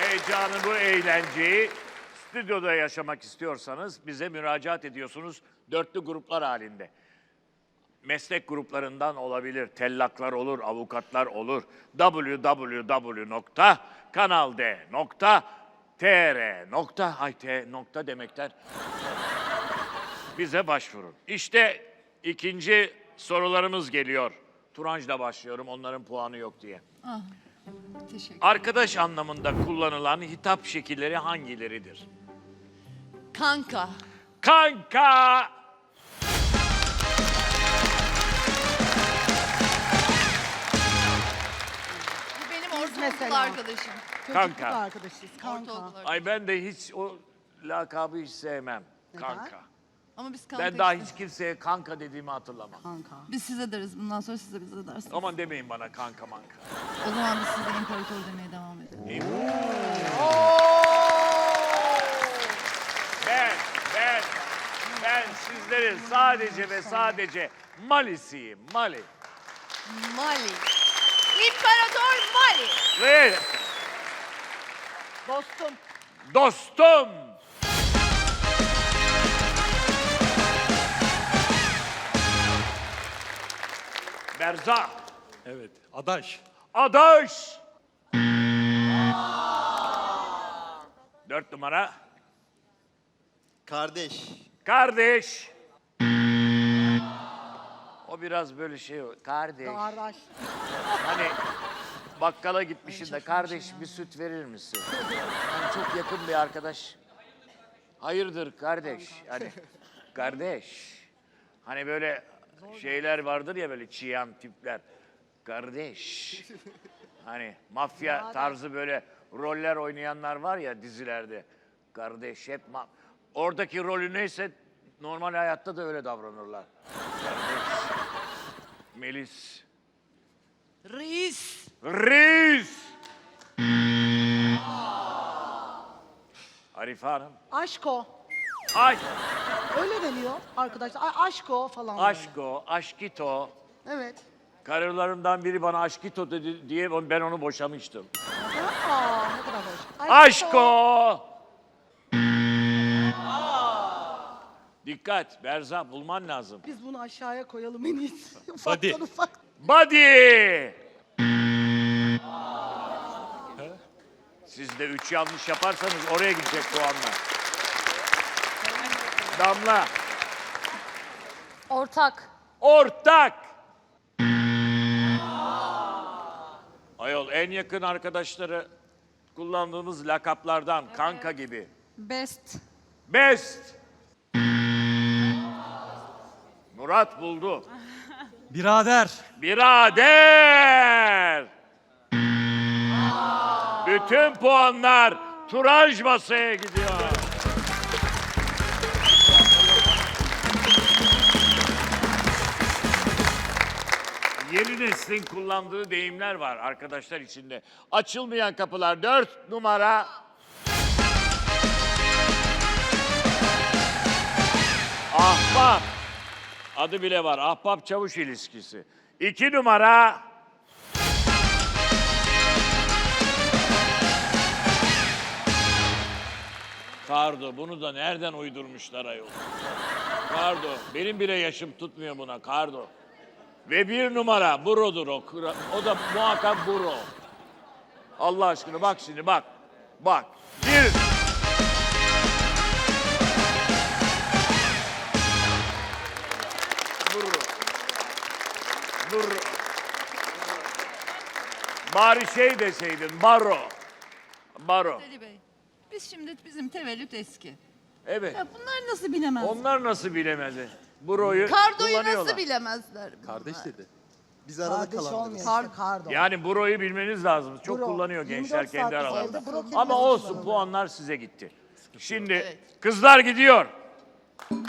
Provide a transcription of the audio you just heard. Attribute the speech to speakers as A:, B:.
A: heyecanı, bu eğlenceyi stüdyoda yaşamak istiyorsanız bize müracaat ediyorsunuz dörtlü gruplar halinde. Meslek gruplarından olabilir, tellaklar olur, avukatlar olur. www.kanald.tr. Ay nokta demekten bize başvurun. İşte ikinci sorularımız geliyor. Turanc'la başlıyorum, onların puanı yok diye.
B: Teşekkür.
A: Arkadaş anlamında kullanılan hitap şekilleri hangileridir?
B: Kanka.
A: Kanka!
B: Bu benim ortaokul
C: mesela.
B: arkadaşım.
A: Kanka.
C: Çocukluk arkadaşıyız. Kanka.
B: Ortaokul arkadaşım.
A: Ay ben de hiç o lakabı hiç sevmem.
C: Neden?
A: Kanka.
B: Ama biz kanka
A: Ben daha
B: işte.
A: hiç kimseye kanka dediğimi hatırlamam.
C: Kanka.
B: Biz size deriz. Bundan sonra siz de bize dersiniz.
A: Aman demeyin bana kanka manka.
B: O zaman biz size imparator demeye devam edelim.
A: Ben sizlerin sadece ve sadece Mali'siyim. Mali.
B: Mali. İmparator Mali.
A: Ve
C: Dostum.
A: dostum. Berza.
D: Evet, adaş.
A: Adaş. 4 numara.
E: Kardeş.
A: Kardeş. O biraz böyle şey, kardeş.
C: Kardeş.
A: Hani bakkala gitmişsin de kardeş bir süt verir misin? Yani çok yakın bir arkadaş. Hayırdır kardeş? Hani kardeş. Hani böyle şeyler vardır ya böyle çiyan tipler. Kardeş. Hani mafya tarzı böyle roller oynayanlar var ya dizilerde. Kardeş hep oradaki rolü neyse normal hayatta da öyle davranırlar. Kardeş. Melis.
B: Reis.
A: Reis. Arife Hanım.
C: Aşko.
A: Ay,
C: Öyle deniyor arkadaşlar. Aşko falan. böyle.
A: aşko, aşkito.
C: Evet.
A: Karılarımdan biri bana aşkito dedi diye ben onu boşamıştım.
C: Aa, ne kadar hoş.
A: Aşko. Dikkat, Berza bulman lazım.
C: Biz bunu aşağıya koyalım en iyisi.
D: Hadi.
C: Ufaktan ufak.
A: Body. Siz de 3 yanlış yaparsanız oraya gidecek puanlar. Damla.
F: Ortak.
A: Ortak. Ayol en yakın arkadaşları kullandığımız lakaplardan kanka gibi.
F: Best.
A: Best. Murat buldu.
D: Birader.
A: Birader. Bütün puanlar Turanj masaya gidiyor. Yeni neslin kullandığı deyimler var arkadaşlar içinde. Açılmayan kapılar 4 numara. Ahbap. Adı bile var. Ahbap çavuş ilişkisi. 2 numara. Kardo. Bunu da nereden uydurmuşlar ayol? Kardo. Benim bile yaşım tutmuyor buna. Kardo. Ve 1 numara. Buro'dur o. O da muhakkak Buro. Allah aşkına bak şimdi bak. Bak. 1. Buro. Buro. Bari şey deseydin. Baro. Baro.
B: Ali Bey. Biz şimdi bizim tevellüt eski.
A: Evet.
B: Ya bunlar nasıl bilemez?
A: Onlar nasıl bilemedi? Buro'yu
B: Kardoyu
A: kullanıyorlar.
B: nasıl bilemezler?
D: Kardeş dedi.
E: Biz arada
C: Kardeş
E: kalanlarız.
C: olmuyor işte. Kardo.
A: Yani Buro'yu bilmeniz lazım. Çok
C: Buro.
A: kullanıyor
C: 24
A: gençler kendi
C: saat
A: aralarında.
C: evde Buro
A: Ama
C: kelimesi
A: olsun
C: kullanılıyor.
A: puanlar size gitti. Şimdi
B: Evet.
A: kızlar gidiyor.